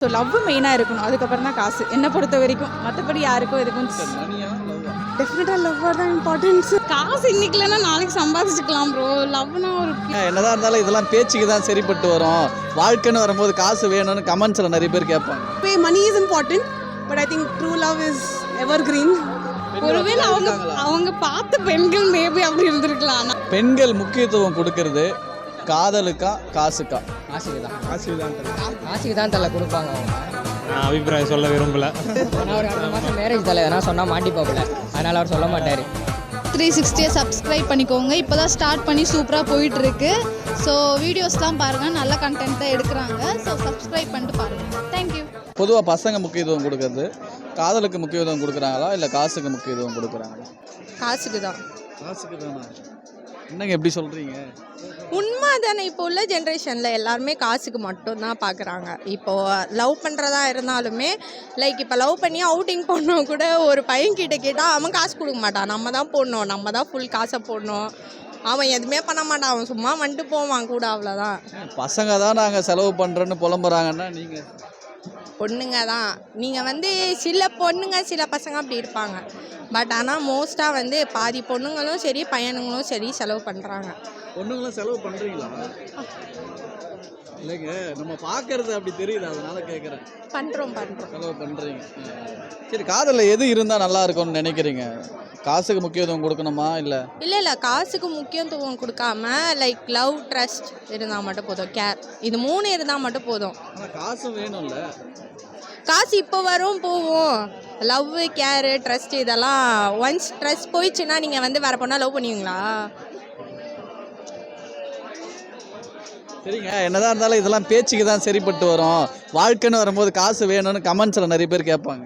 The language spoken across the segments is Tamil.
ஸோ லவ் மெயினாக இருக்கணும், அதுக்கப்புறம் தான் காசு என்னை பொறுத்த வரைக்கும். மற்றபடி யாருக்கும் எதுக்கும் டெஃபினட்டாக லவ்வாக தான் இம்பார்ட்டன்ஸ். காசு இன்னைக்கு இல்லைன்னா நாளைக்கு சம்பாதிச்சுக்கலாம் ப்ரோ. லவ்னா ஒரு என்னதான் இருந்தாலும் இதெல்லாம் பேச்சுக்கு தான் சரிப்பட்டு வரும். வாழ்க்கைன்னு வரும்போது காசு வேணும்னு கமெண்ட்ஸில் நிறைய பேர் கேட்பாங்க. Money is important, but I think true love is evergreen. ஒருவேளை அவங்க பார்த்த பெண்கள் மேபி அப்படி இருந்திருக்கலாம். பெண்கள் முக்கியத்துவம் கொடுக்கறது காதலுக்கா காசுக்கா? காசுக்கு தான் தலை கொடுப்பாங்க அவங்க. நான் அபிப்பிராயம் சொல்ல விரும்பல. ஏன்னா ஒரு அடுத்த மாதம் மேரேஜ் தலை எதனா சொன்னால் மாட்டிப்பாப்புல, அதனால் அவர் சொல்ல மாட்டார். 360 சப்ஸ்கிரைப் பண்ணிக்கோங்க. இப்போ தான் ஸ்டார்ட் பண்ணி சூப்பராக போயிட்டுருக்கு. ஸோ வீடியோஸ்லாம் பாருங்கள், நல்ல கண்டென்ட் தான் எடுக்கிறாங்க. ஸோ சப்ஸ்கிரைப் பண்ணிட்டு பாருங்கள். தேங்க்யூ. பொதுவாக பசங்க முக்கியத்துவம் கொடுக்கறது காதலுக்கு முக்கியத்துவம் கொடுக்குறாங்களா இல்லை காசுக்கு முக்கியத்துவம் கொடுக்குறாங்களா? காசுக்கு தான். காசுக்கு தானா? என்னங்க எப்படி சொல்கிறீங்க? உண்மை தானே. இப்போ உள்ள ஜென்ரேஷனில் எல்லாருமே காசுக்கு மட்டும்தான் பார்க்குறாங்க. இப்போது லவ் பண்ணுறதா இருந்தாலுமே லைக் இப்போ லவ் பண்ணி அவுட்டிங் போடணும் கூட ஒரு பையன்கிட்ட கேட்டால் அவன் காசு கொடுக்க மாட்டான். நம்ம தான் போடணும், நம்ம தான் ஃபுல் காசை போடணும். அவன் எதுவுமே பண்ண மாட்டான், அவன் சும்மா வந்துட்டு போவான் கூட, அவ்வளோதான். பசங்க தான் நாங்கள் செலவு பண்ணுறோன்னு புலம்புறாங்கன்னா நீங்கள் பொண்ணுங்க தான். நீங்கள் சில பொண்ணுங்க சில பசங்க அப்படி இருப்பாங்க. பட் ஆனால் மோஸ்ட்டாக பாதி பொண்ணுங்களும் சரி பையனுங்களும் சரி செலவு பண்ணுறாங்க. பொண்ணுங்களும் செலவு பண்ணுறீங்களா? இல்லைங்க, நம்ம பார்க்கறது அப்படி தெரியுது, அதனால கேட்குறேன். பண்ணுறோம் செலவு பண்ணுறீங்க. சரி, காதலில் எது இருந்தால் நல்லா இருக்கும்னு நினைக்கிறீங்க? காசுக்கு முக்கியத்துவம் கொடுக்கணுமா இல்லை காசுக்கு முக்கியத்துவம் கொடுக்காம லைக் லவ் ட்ரஸ்ட் இருந்தால் மட்டும் போதும். கேர், இது 3 இருந்தால் மட்டும் போதும். ஆனால் காசும் வேணும்ல. காசு இப்போ வரும் போவோம். லவ், கேரு, ட்ரஸ்ட் இதெல்லாம் ஒன்ஸ் ட்ரஸ்ட் போயிடுச்சுன்னா நீங்கள் வேறு பொண்ணா லவ் பண்ணுவீங்களா? சரிங்க, என்னதான் இருந்தாலும் இதெல்லாம் பேச்சுக்கு தான் சரிப்பட்டு வரும். வாழ்க்கைன்னு வரும்போது காசு வேணும்னு கமெண்ட்ஸில் நிறைய பேர் கேட்பாங்க.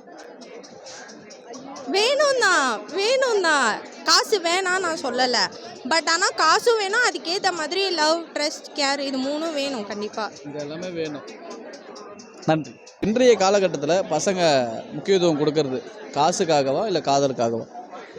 வேணும் தான். காசு வேணாம் நான் சொல்லலை. பட் ஆனால் காசும் வேணும், அதுக்கேற்ற மாதிரி லவ், ட்ரஸ்ட், கேர் இது 3 வேணும் கண்டிப்பாக. இது எல்லாமே வேணும். நன்றி. இன்றைய காலகட்டத்தில் பசங்க முக்கியத்துவம் கொடுக்கறது காசுக்காகவா இல்லை காதலுக்காகவா?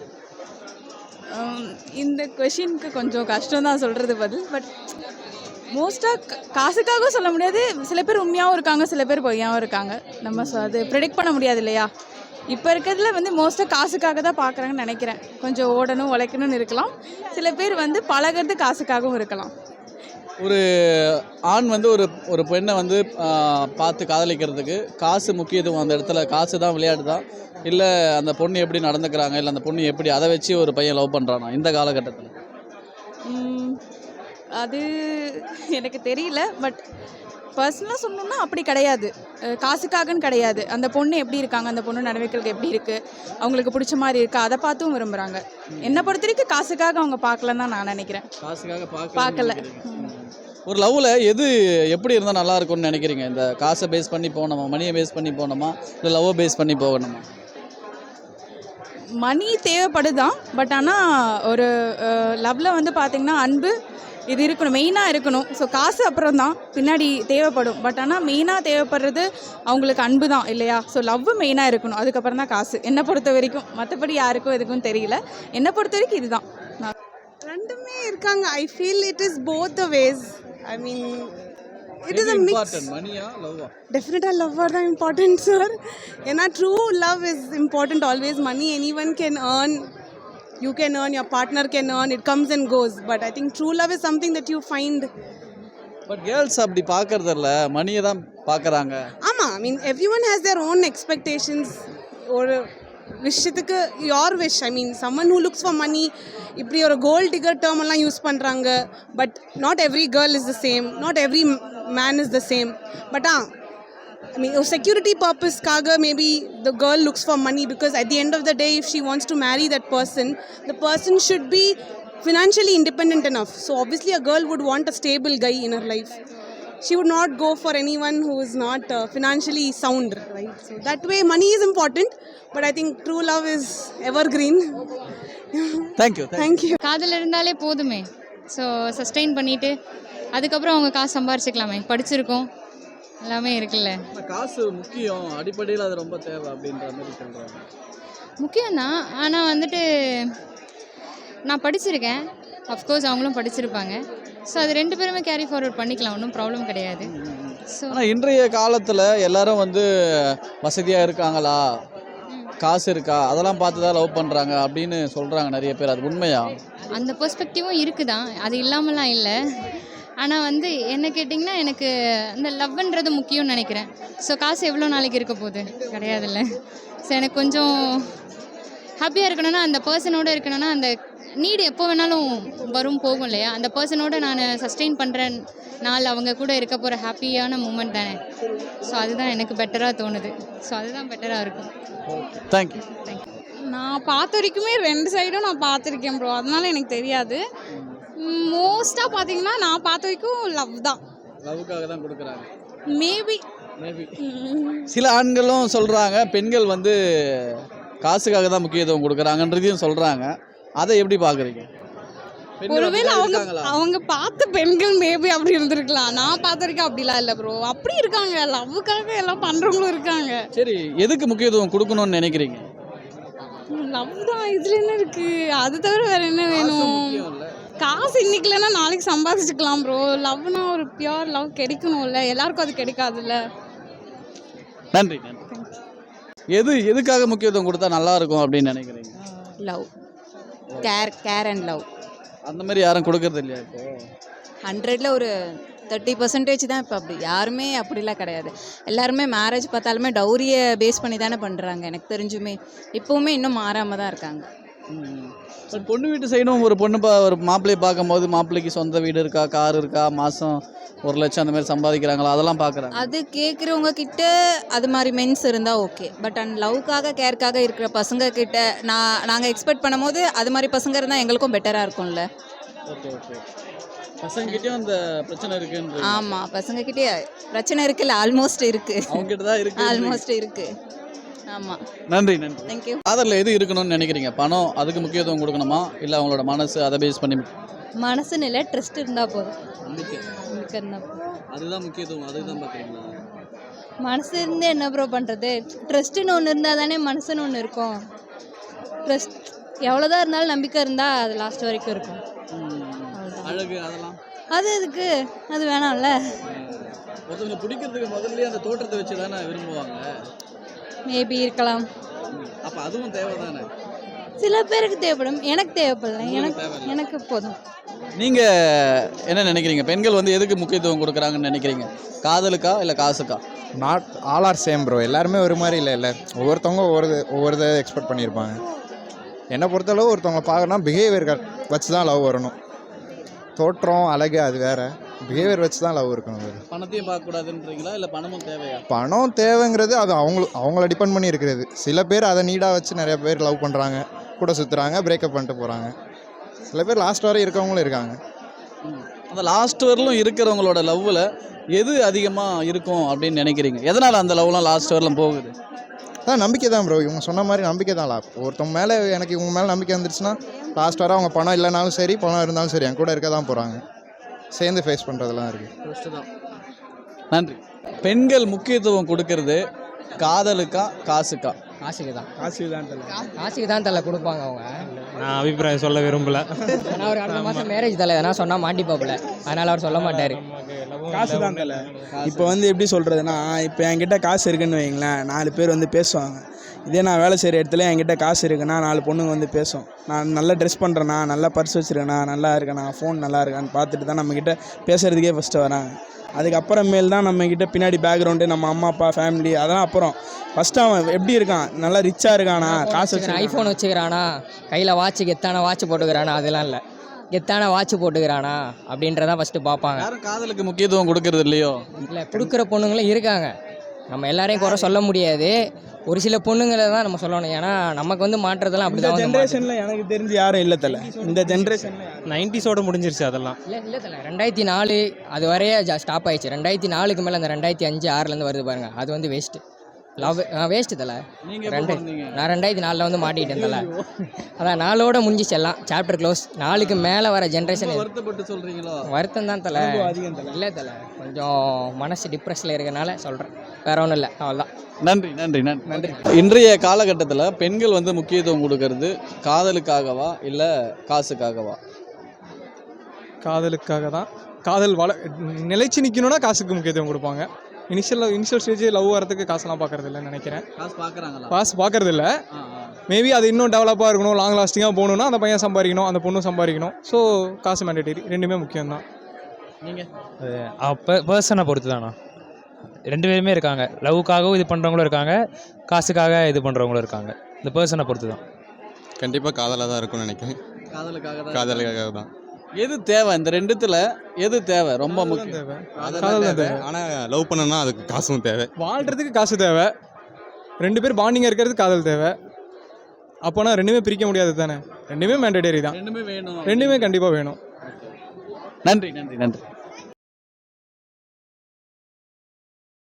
இந்த கொஷினுக்கு கொஞ்சம் கஷ்டம் தான் சொல்கிறது பதில். பட் மோஸ்ட்டாக காசுக்காகவும் சொல்ல முடியாது. சில பேர் உண்மையாகவும் இருக்காங்க, சில பேர் பொய்யாகவும் இருக்காங்க. நம்ம அது ப்ரெடிக்ட் பண்ண முடியாது இல்லையா? இப்போ இருக்கிறதுல மோஸ்ட்டாக காசுக்காக தான் பார்க்குறாங்கன்னு நினைக்கிறேன். கொஞ்சம் ஓடணும் உழைக்கணும்னு இருக்கலாம். சில பேர் பழகிறது காசுக்காகவும் இருக்கலாம். ஒரு ஆண் ஒரு பெண்ணை பார்த்து காதலிக்கிறதுக்கு காசு முக்கியத்துவம், அந்த இடத்துல காசு தான் விளையாட்டு தான், இல்லை அந்த பொண்ணு எப்படி நடந்துக்கிறாங்க, இல்லை அந்த பொண்ணு எப்படி, அதை வச்சு ஒரு பையன் லவ் பண்ணுறானா இந்த காலகட்டத்தில்? அது எனக்கு தெரியல. பட் பர்சனலாக சொல்லணும்னா அப்படி கிடையாது. காசுக்காகன்னு கிடையாது. அந்த பொண்ணு எப்படி இருக்காங்க, அந்த பொண்ணு நடவடிக்கைகளுக்கு எப்படி இருக்குது, அவங்களுக்கு பிடிச்ச மாதிரி இருக்கா, அதை பார்த்தும் விரும்புகிறாங்க. என்னை பொறுத்த வரைக்கும் காசுக்காக அவங்க பார்க்கலன்னு தான் நான் நினைக்கிறேன். காசுக்காக பார்க்கல. ஒரு லவ்வில் எது எப்படி இருந்தால் நல்லா இருக்கும்னு நினைக்கிறீங்க? இந்த காசை பேஸ் பண்ணி போகணுமா, மணியை பேஸ் பண்ணி போகணுமா, இல்லை லவ்வை பேஸ் பண்ணி போகணுமா? மணி தேவைப்படுதான். பட் ஆனால் ஒரு லவ்வில் பார்த்திங்கன்னா அன்பு இது இருக்கணும், மெயினாக இருக்கணும். ஸோ காசு அப்புறம் தான் பின்னாடி தேவைப்படும். பட் ஆனால் மெயினாக தேவைப்படுறது அவங்களுக்கு அன்பு தான் இல்லையா? ஸோ லவ் மெயினாக இருக்கணும், அதுக்கப்புறம் தான் காசு என்னை பொறுத்த வரைக்கும். மற்றபடி யாருக்கும் எதுக்கும் தெரியல. என்னை பொறுத்த வரைக்கும் இதுதான். ரெண்டுமே இருக்காங்க. I feel it is both the ways. I mean it is a mix. மணியா லவ்வா? டெஃபினட்டாக லவ்வாக தான் இம்பார்ட்டன்ட் சார். ஏன்னா true love is important always. Money anyone can earn. You can earn, your partner can earn, it comes and goes. But I think true love is something that you find. But girls அப்படி பார்க்கறது இல்லை, மணியை தான் பார்க்குறாங்க. ஆமாம், I mean everyone has their own expectations. ஒரு விஷயத்துக்கு your wish, I mean someone who looks for money இப்படி ஒரு கோல்ட் டிகர் டேர்ம் எல்லாம் யூஸ் பண்ணுறாங்க. But not every girl is the same, not every man is the same. But I mean, security purpose kaga maybe the girl looks for money, because at the end of the day if she wants to marry that person, the person should be financially independent enough. So obviously a girl would want a stable guy in her life. She would not go for anyone who is not financially sound, right? So that way money is important, but I think true love is evergreen. Thank you. காதல் இருந்தாலே போதுமே. ஸோ சஸ்டெயின் பண்ணிவிட்டு அதுக்கப்புறம் அவங்க காசு சம்பாரிச்சிக்கலாமே. படிச்சிருக்கோம், எல்லாமே இருக்குல்ல. காசு முக்கியம், அடிப்படையில் அது ரொம்ப தேவை அப்படின்ற மாதிரி சொல்கிறாங்க. முக்கியம்தான். ஆனால் நான் படிச்சிருக்கேன், அஃப்கோர்ஸ் அவங்களும் படிச்சிருப்பாங்க. ஸோ அது 2 பேருமே கேரி ஃபார்வர்ட் பண்ணிக்கலாம், ஒன்றும் ப்ராப்ளம் கிடையாது. ஸோ ஆனால் இன்றைய காலத்தில் எல்லாரும் வந்து வசதியாக இருக்காங்களா, காசு இருக்கா, அதெல்லாம் பார்த்து தான் லவ் பண்ணுறாங்க அப்படின்னு சொல்கிறாங்க நிறைய பேர். அது உண்மையா? அந்த பெர்ஸ்பெக்டிவும் இருக்குதான், அது இல்லாமலாம் இல்லை. ஆனால் வந்து என்ன கேட்டிங்கன்னா எனக்கு இந்த லவ்ன்றது முக்கியம்னு நினைக்கிறேன். ஸோ காசு எவ்வளோ நாளைக்கு இருக்க போகுது, கிடையாதுல்ல. ஸோ எனக்கு கொஞ்சம் ஹாப்பியாக இருக்கணும்னா, அந்த பர்சனோடு இருக்கணும்னா, அந்த நீடு எப்போ வேணாலும் வரும் போகும் இல்லையா, அந்த பர்சனோடு நான் சஸ்டெயின் பண்ணுற நாள் அவங்க கூட இருக்க போகிற ஹாப்பியான மூமெண்ட் தானே. ஸோ அதுதான் எனக்கு பெட்டராக தோணுது. ஸோ அதுதான் பெட்டராக இருக்கும். தேங்க்யூ. நான் பார்த்த வரைக்குமே 2 சைடும் நான் பார்த்துருக்கேன் ப்ரோ, அதனால எனக்கு தெரியாது. மோஸ்ட்டாக பார்த்தீங்கன்னா நான் பார்த்த வரைக்கும் லவ் தான். லவ்வுக்காக தான் கொடுக்குறாங்க மேபி. சில ஆண்களும் சொல்கிறாங்க பெண்கள் வந்து காசுக்காக தான் முக்கியத்துவம் கொடுக்குறாங்கன்றதையும் சொல்கிறாங்க. அதை எப்படி பார்க்குறீங்க? ஒருவேளை அவங்க பார்த்த பெண்கள் மேபி அப்படி இருந்திருக்கலாம். நான் பார்த்த வரைக்கும் அப்படிலாம் இல்லை ப்ரோ. அப்படி இருக்காங்க, லவ்வுக்காக எல்லாம் பண்ணுறவங்களும் இருக்காங்க. சரி, எதுக்கு முக்கியத்துவம் கொடுக்கணும்னு நினைக்கிறீங்க? லவ் தான், இதில் என்ன இருக்குது? அது தவிர வேறு என்ன வேணும்? காசு இன்னைக்கு இல்லைன்னா நாளைக்கு சம்பாதிச்சுக்கலாம் ப்ரோ. லவ்னா ஒரு பியூர் லவ் கிடைக்கணும்ல, எல்லாருக்கும் அது கிடைக்காதுல்ல. நன்றி. எதுக்காக முக்கியத்துவம் கொடுத்தா நல்லா இருக்கும் அப்படின்னு நினைக்கிறீங்க? Love, care and love. அந்த மாதிரி யாரும் கொடுக்கறது இல்லையா இப்போ? 100ல் ஒரு 30% தான் இப்போ. அப்படி யாருமே அப்படிலாம் கிடையாது. எல்லாருமே மேரேஜ் பார்த்தாலுமே டௌரியை பேஸ் பண்ணி தானே பண்ணுறாங்க. எனக்கு தெரிஞ்சுமே இப்போவுமே இன்னும் மாறாமல் தான் இருக்காங்க. பொண்ணு வீட்டு சைடும் ஒரு ஒரு மாப்பிள்ளையை பார்க்கும்போது மாப்பிள்ளைக்கு சொந்த வீடு இருக்கா, கார் இருக்கா, மாதம் 1 லட்சம் அந்த மாதிரி சம்பாதிக்கிறாங்களா, அதெல்லாம் பார்க்குறாங்க. அது கேட்குறவங்க கிட்ட அது மாதிரி மென்ஸ் இருந்தால் ஓகே. பட் அண்ட் லவ்க்காக கேருக்காக இருக்கிற பசங்க கிட்ட நாங்கள் எக்ஸ்பெக்ட் பண்ணும்போது அது மாதிரி பசங்க இருந்தால் எங்களுக்கும் பெட்டராக இருக்கும்ல. ஓகே. பசங்ககிட்டயும் அந்த பிரச்சனை இருக்குன்னு? ஆமாம், பசங்கக்கிட்டே பிரச்சனை இருக்குல்ல, ஆல்மோஸ்ட் இருக்குது. அவங்ககிட்ட தான் இருக்கு, ஆல்மோஸ்ட் இருக்குது. ஆமாம். நன்றி. தேங்க்யூ. காதலில் எது இருக்கணும்னு நினைக்கிறீங்க? பணம் அதுக்கு முக்கியத்துவம் கொடுக்கணுமா, இல்லை அவங்களோட மனசு அதை பேஸ் பண்ணி? மனசுன்னு இல்லை, ட்ரஸ்ட் இருந்தால் போதும். அதுதான் முக்கியத்துவம், அதுதான் பார்க்குறீங்களா? மனசு இருந்து என்ன ப்ரோ பண்ணுறது? ட்ரஸ்ட்டுன்னு ஒன்று இருந்தால் தானே மனசுன்னு ஒன்று இருக்கும். ட்ரஸ்ட் எவ்வளோதான் இருந்தாலும் நம்பிக்கை இருந்தால் அது லாஸ்ட் வரைக்கும் இருக்கும். அழகு அதெல்லாம் அது எதுக்கு? அது வேணாம்ல. ஒருத்தவங்க பிடிக்கிறதுக்கு முதல்ல அந்த தோற்றத்தை வச்சு தானே விரும்புவாங்க. மேபி இருக்கலாம். அப்போ அதுவும் தேவை தானே? சில பேருக்கு தேவைப்படும், எனக்கு தேவைப்படல. எனக்கு போதும். நீங்கள் என்ன நினைக்கிறீங்க? பெண்கள் வந்து எதுக்கு முக்கியத்துவம் கொடுக்குறாங்கன்னு நினைக்கிறீங்க? காதலுக்கா இல்லை காசுக்கா? Not all are same bro. எல்லாருமே ஒரு மாதிரி இல்லை. ஒவ்வொருத்தவங்க ஒவ்வொரு எக்ஸ்பெக்ட் பண்ணியிருப்பாங்க. என்னை பொறுத்தளவு ஒருத்தவங்க பார்க்கணும்னா பிஹேவியர் வச்சு தான் லவ் வரணும். தோற்றம் அழகு அது வேறு, பிஹேவியர் வச்சு தான் லவ் இருக்கணும். பணத்தையும் பார்க்கக்கூடாதுன்றீங்களா, இல்லை பணமும் தேவையா? பணம் தேவைங்கிறது அது அவங்கள டிபெண்ட் பண்ணி இருக்கிறது. சில பேர் அதை நீடாக வச்சு நிறைய பேர் லவ் பண்ணுறாங்க, கூட சுற்றுறாங்க, பிரேக்கப் பண்ணிட்டு போகிறாங்க. சில பேர் லாஸ்ட் வரை இருக்கவங்களும் இருக்காங்க. அந்த லாஸ்ட் வரலும் இருக்கிறவங்களோட லவ்வில் எது அதிகமாக இருக்கும் அப்படின்னு நினைக்கிறீங்க? எதனால் அந்த லவ்லாம் லாஸ்ட் வரலும் போகுது? அதான் நம்பிக்கை தான் ப்ரோ. இவங்க சொன்ன மாதிரி நம்பிக்கை தான். ஒருத்தவங்க மேலே எனக்கு இவங்க மேலே நம்பிக்கை வந்துருச்சுன்னா லாஸ்ட் வர அவங்க பணம் இல்லைனாலும் சரி, பணம் இருந்தாலும் சரி, என் கூட இருக்க தான் போகிறாங்க. சேர்ந்து ஃபேஸ் பண்ணுறதெல்லாம் இருக்குது. நன்றி. பெண்கள் முக்கியத்துவம் கொடுக்கறது காதலுக்கா காசுக்கா? காசுக்கு தான் தலை கொடுப்பாங்க அவங்க. நான் அபிப்பிராயம் சொல்ல விரும்பல. ஏன்னா ஒரு அடுத்த மாதம் மேரேஜ் தலை எதனா சொன்னால் மாட்டிப்பாப்புல, அதனால் அவர் சொல்ல மாட்டார். காசு தான் தலை. இப்போ வந்து எப்படி சொல்கிறதுனா, இப்போ என்கிட்ட காசு இருக்குன்னு வைங்களேன், 4 பேர் வந்து பேசுவாங்க. இதே நான் வேலை செய்கிற இடத்துல என்கிட்ட காசு இருக்குன்னா 4 பொண்ணுங்க வந்து பேசும். நான் நல்லா ட்ரெஸ் பண்ணுறேன்னா, நல்லா பர்ஸ் வச்சுருக்கேண்ணா, நல்லா இருக்கேண்ணா, ஃபோன் நல்லா இருக்கான்னு பார்த்துட்டு தான் நம்மக்கிட்ட பேசுகிறதுக்கே ஃபஸ்ட்டு வராங்க. அதுக்கப்புறமேல் தான் நம்மக்கிட்ட பின்னாடி பேக்ரவுண்டு, நம்ம அம்மா அப்பா ஃபேமிலி, அதெல்லாம் அப்புறம். ஃபஸ்ட்டு அவன் எப்படி இருக்கான், நல்லா ரிச்சாக இருக்கானா, காசு வச்சு ஐஃபோன் வச்சுக்கிறானா, கையில் வாட்ச் கெத்தான வாட்ச் போட்டுக்கிறானா, அதெல்லாம் இல்லை, கெத்தான வாட்ச் போட்டுக்கிறானா அப்படின்றதான் ஃபஸ்ட்டு பார்ப்பாங்க. யாரும் காதலுக்கு முக்கியத்துவம் கொடுக்கறது இல்லையோ? இல்லை, கொடுக்குற பொண்ணுங்களும் இருக்காங்க. நம்ம எல்லாரையும் குறை சொல்ல முடியாது. ஒரு சில பொண்ணுங்களை தான் நம்ம சொல்லணும். ஏன்னா நமக்கு வந்து மாற்றுறதெல்லாம் அப்படி தான். ஜென்ரேஷனில் எனக்கு தெரிஞ்சு யாரும் இல்லை தலை. இந்த ஜென்ரேஷனில் 90ஸோட முடிஞ்சிருச்சு அதெல்லாம். இல்லை தலை, 2004 அது வரையே ஸ்டாப் ஆயிடுச்சு. 2004க்கு மேலே அந்த 2005, 6லேருந்து வருது பாருங்கள், அது வந்து வேஸ்ட்டு. லவ் வேஸ்ட்டு தலை. நான் 2004 வந்து மாட்டிக்கிட்டேன் தலை. அதான் 4ஓட முடிஞ்சிச்சு எல்லாம், சாப்டர் க்ளோஸ். 4க்கு மேலே வர ஜென்ரேஷன் வருத்தப்பட்டு சொல்கிறீங்களோ? வருத்தம் தான் தலை. இல்லை தலை, கொஞ்சம் மனசு டிப்ரெஷனில் இருக்கனால சொல்கிறேன், வேற ஒன்றும் இல்லை, அவ்வளோதான். நன்றி. இன்றைய காலகட்டத்தில் பெண்கள் வந்து முக்கியத்துவம் கொடுக்கறது காதலுக்காகவா இல்லை காசுக்காகவா? காதலுக்காக தான். காதல் நிலைச்சு நிற்கணும்னா காசுக்கு முக்கியத்துவம் கொடுப்பாங்க. இனிஷியல் ஸ்டேஜ் லவ் வரதுக்கு காசெல்லாம் பார்க்கறது இல்லைன்னு நினைக்கிறேன். காசு பார்க்கறது இல்லை. மேபி அது இன்னும் டெவலப்பாக இருக்கணும், லாங் லாஸ்டிங்காக போகணுன்னா அந்த பையன் சம்பாதிக்கணும், அந்த பொண்ணும் சம்பாதிக்கணும். ஸோ காசு மேண்டேட்டரி, ரெண்டுமே முக்கியம்தான். நீங்கள் பர்சனை பொறுத்து தானா, ரெண்டு பேருமே இருக்காங்க. லவ்வுக்காகவும் இது பண்ணுறவங்களும் இருக்காங்க, காசுக்காக இது பண்ணுறவங்களும் இருக்காங்க. இந்த பர்சனை பொறுத்து தான். கண்டிப்பாக காதலாக தான் இருக்கும்னு நினைக்கிறேன். காதலுக்காக தான். எது தேவை இந்த ரெண்டுத்துல எது தேவை ரொம்ப முக்கியம்? தேவை காதல் தேவை. ஆனால் லவ் பண்ணனா அதுக்கு காசும் தேவை. வாழ்கிறதுக்கு காசு தேவை, ரெண்டு பேர் பாண்டிங்காக இருக்கிறதுக்கு காதல் தேவை. அப்போனா ரெண்டுமே பிரிக்க முடியாது தானே, ரெண்டுமே மேண்டேட்டரி தான். ரெண்டுமே வேணும். ரெண்டுமே கண்டிப்பாக வேணும். நன்றி.